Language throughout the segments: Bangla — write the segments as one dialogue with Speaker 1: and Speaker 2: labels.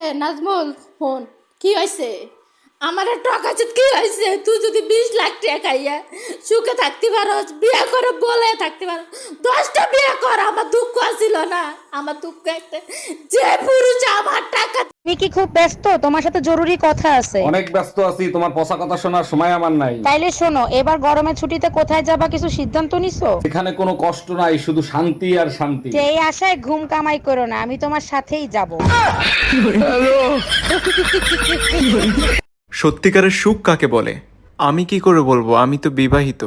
Speaker 1: নাজমুল ফোন কি হয়েছে? আমার টাকা কি হয়েছে? তুই যদি 20 লাখ টাকা খাইয়া সুখে থাকতে পারো, বিয়ে করে বলে থাকতে পারো, 10টা বিয়ে কর। আমার দুঃখ আসিল না? আমার দুঃখ একটা, যে পুরুষ আমার টাকা।
Speaker 2: তুমি কি খুব ব্যস্ত? তোমার সাথে জরুরি কথা আছে।
Speaker 3: অনেক ব্যস্ত আছি, তোমার পচা কথা শোনার সময় আমার নাই।
Speaker 2: তাইলে শোনো, এবার গরমের ছুটিতে কোথায় যাবা কিছু সিদ্ধান্ত নিছো?
Speaker 3: এখানে কোনো কষ্ট নাই, শুধু শান্তি আর শান্তি।
Speaker 2: সেই আশায় ঘুম কামাই করো না, আমি তোমার সাথেই যাব।
Speaker 4: সত্যিকারের সুখ কাকে বলে? আমি কি করে বলবো, আমি তো বিবাহিত।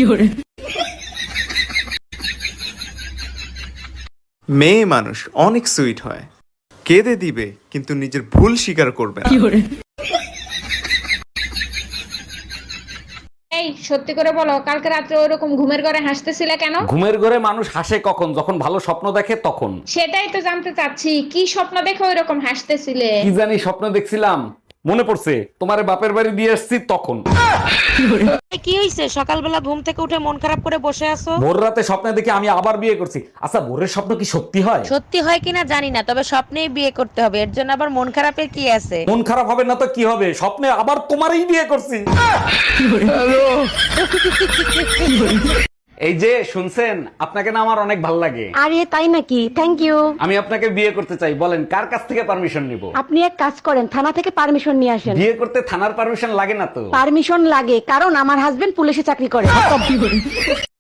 Speaker 4: মেয়ে মানুষ অনেক সুইট হয়, কেঁদে দিবে কিন্তু নিজের ভুল স্বীকার করবে না।
Speaker 5: এই সত্যি করে বলো, কালকে রাত্রে ওরকম ঘুমের ঘরে হাসতেছিলে কেন?
Speaker 3: ঘুমের ঘরে মানুষ হাসে কখন? যখন ভালো স্বপ্ন দেখে তখন।
Speaker 5: সেটাই তো জানতে চাচ্ছি, কি স্বপ্ন দেখে ওইরকম হাসতেছিলে?
Speaker 3: কি জানি স্বপ্ন দেখছিলাম, মনে পড়ছে তোমারে বাপের বাড়ি দিয়ে আসছি তখন।
Speaker 2: কি হইছে? সকালবেলা ঘুম থেকে উঠে মন খারাপ করে বসে আছো।
Speaker 3: ভোর রাতে স্বপ্নে দেখে আমি আবার বিয়ে করছি। আচ্ছা, ভোরের স্বপ্ন কি সত্যি হয়?
Speaker 2: সত্যি হয় কিনা জানি না, তবে স্বপ্নেই বিয়ে করতে হবে, এর জন্য আবার মন খারাপের কি আছে?
Speaker 3: মন খারাপ হবে না তো কি হবে? স্বপ্নে আবার তোমারই বিয়ে করছি। এই যে শুনছেন, আপনাকে না আমার অনেক ভালো লাগে।
Speaker 6: আরে তাই নাকি? Thank you.
Speaker 3: আমি আপনাকে বিয়ে করতে চাই, বলেন কার কাছ থেকে পারমিশন নিব?
Speaker 6: আপনি এক কাজ করেন, থানা থেকে পারমিশন নিয়ে আসেন।
Speaker 3: বিয়ে করতে থানার পারমিশন লাগে না তো?
Speaker 6: পারমিশন লাগে, কারণ আমার হাজবেন্ড পুলিশে চাকরি করে।